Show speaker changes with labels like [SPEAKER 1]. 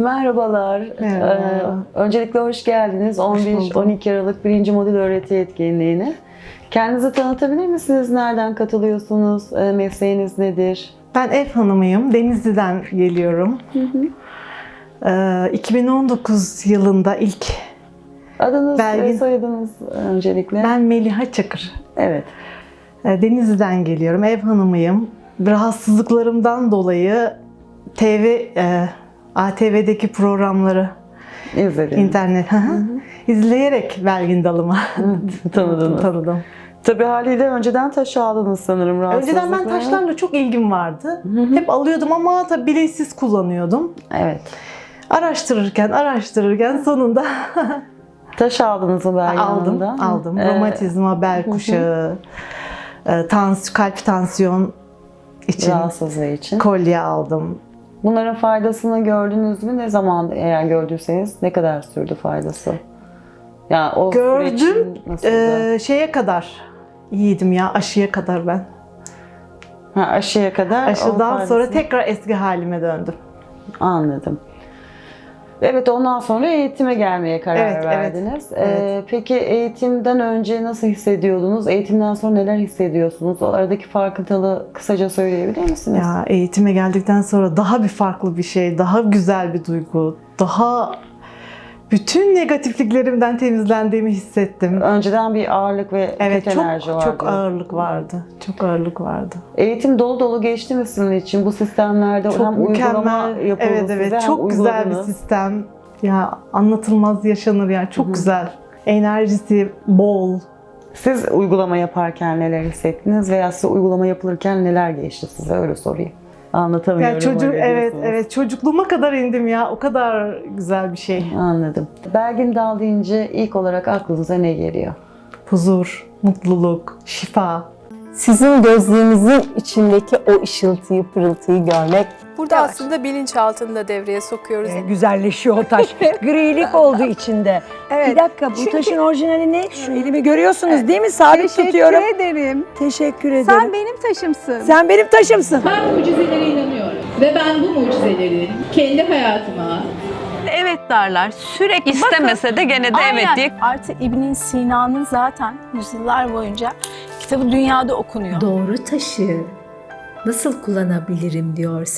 [SPEAKER 1] Merhabalar.
[SPEAKER 2] Merhaba.
[SPEAKER 1] Öncelikle hoş geldiniz 11-12 Aralık 1. Modül öğreti etkinliğine. Kendinizi tanıtabilir misiniz? Nereden katılıyorsunuz? Mesleğiniz nedir?
[SPEAKER 2] Ben ev hanımıyım. Denizli'den geliyorum. 2019 yılında ilk
[SPEAKER 1] Adınız ve
[SPEAKER 2] Belgin.
[SPEAKER 1] soyadınız öncelikle.
[SPEAKER 2] ben Meliha Çakır.
[SPEAKER 1] Evet.
[SPEAKER 2] Denizli'den geliyorum. Ev hanımıyım. Rahatsızlıklarımdan dolayı ATV'deki programları
[SPEAKER 1] İzledim.
[SPEAKER 2] internet izleyerek Belgin Dalıma
[SPEAKER 1] Tanıdınız.
[SPEAKER 2] tanıdım.
[SPEAKER 1] Tabii haliyle önceden taş aldınız sanırım rahatsızlıkla.
[SPEAKER 2] Önceden ben taşlarla çok ilgim vardı. Hep alıyordum ama tabii bilinçsiz kullanıyordum.
[SPEAKER 1] Evet.
[SPEAKER 2] Araştırırken sonunda
[SPEAKER 1] Taş aldınız mı Belgin Hanım'dan?
[SPEAKER 2] aldım. Romatizma, bel kuşağı, kalp tansiyon için
[SPEAKER 1] Rahatsızlığı için.
[SPEAKER 2] kolye aldım.
[SPEAKER 1] Bunların faydasını gördünüz mü? Ne zaman eğer gördüyseniz ne kadar sürdü faydası? Yani o
[SPEAKER 2] Gördüm.
[SPEAKER 1] süreç nasıldı?
[SPEAKER 2] Şeye kadar iyiydim ya, aşıya kadar ben.
[SPEAKER 1] Aşıya kadar. o
[SPEAKER 2] Aşıdan
[SPEAKER 1] faydasını-
[SPEAKER 2] sonra tekrar eski halime döndüm.
[SPEAKER 1] Anladım. Evet, ondan sonra eğitime gelmeye karar
[SPEAKER 2] Evet,
[SPEAKER 1] verdiniz.
[SPEAKER 2] evet.
[SPEAKER 1] Peki eğitimden önce nasıl hissediyordunuz? Eğitimden sonra neler hissediyorsunuz? O aradaki farkındalığı kısaca söyleyebilir misiniz?
[SPEAKER 2] Ya eğitime geldikten sonra daha bir farklı bir şey, daha güzel bir duygu, daha bütün negatifliklerimden temizlendiğimi hissettim.
[SPEAKER 1] Önceden bir ağırlık ve
[SPEAKER 2] Evet,
[SPEAKER 1] kötü enerji vardı.
[SPEAKER 2] çok ağırlık vardı. Çok ağırlık vardı.
[SPEAKER 1] Eğitim dolu dolu geçti mi sizin için? Bu sistemlerde
[SPEAKER 2] Çok
[SPEAKER 1] hem uygulama
[SPEAKER 2] mükemmel.
[SPEAKER 1] yapıldı
[SPEAKER 2] Evet,
[SPEAKER 1] size,
[SPEAKER 2] evet.
[SPEAKER 1] hem
[SPEAKER 2] Çok güzel bir
[SPEAKER 1] uyguladınız.
[SPEAKER 2] sistem. Ya anlatılmaz yaşanır yani. Çok güzel. Enerjisi bol.
[SPEAKER 1] Siz uygulama yaparken neler hissettiniz veya size uygulama yapılırken neler geçti size, öyle sorayım. Anlatamıyorum.
[SPEAKER 2] Ya
[SPEAKER 1] öyle
[SPEAKER 2] evet,
[SPEAKER 1] diyorsunuz.
[SPEAKER 2] evet. Çocukluğuma kadar indim ya. O kadar güzel bir şey.
[SPEAKER 1] Anladım. Belgin Dal deyince ilk olarak aklınıza ne geliyor?
[SPEAKER 2] Huzur, mutluluk, şifa.
[SPEAKER 3] Sizin gözlerinizin içindeki o ışıltıyı, pırıltıyı görmek.
[SPEAKER 4] Burada aslında bilinçaltını da devreye sokuyoruz.
[SPEAKER 5] Güzelleşiyor o taş. Grilik oldu içinde.
[SPEAKER 4] Evet.
[SPEAKER 5] Bir dakika, bu
[SPEAKER 4] Çünkü-
[SPEAKER 5] taşın orijinali ne? Şu elimi görüyorsunuz değil mi? Sabit tutuyorum.
[SPEAKER 4] Teşekkür ederim.
[SPEAKER 5] Teşekkür ederim.
[SPEAKER 4] Sen benim taşımsın.
[SPEAKER 5] Sen benim taşımsın.
[SPEAKER 6] Ben mucizelere inanıyorum ve ben bu mucizeleri kendi hayatıma
[SPEAKER 7] Evet derler. Sürekli istemese de gene de evet diye.
[SPEAKER 8] Artı İbn Sina'nın zaten yüzyıllar boyunca kitabı dünyada okunuyor.
[SPEAKER 9] Doğru taşı nasıl kullanabilirim diyorsan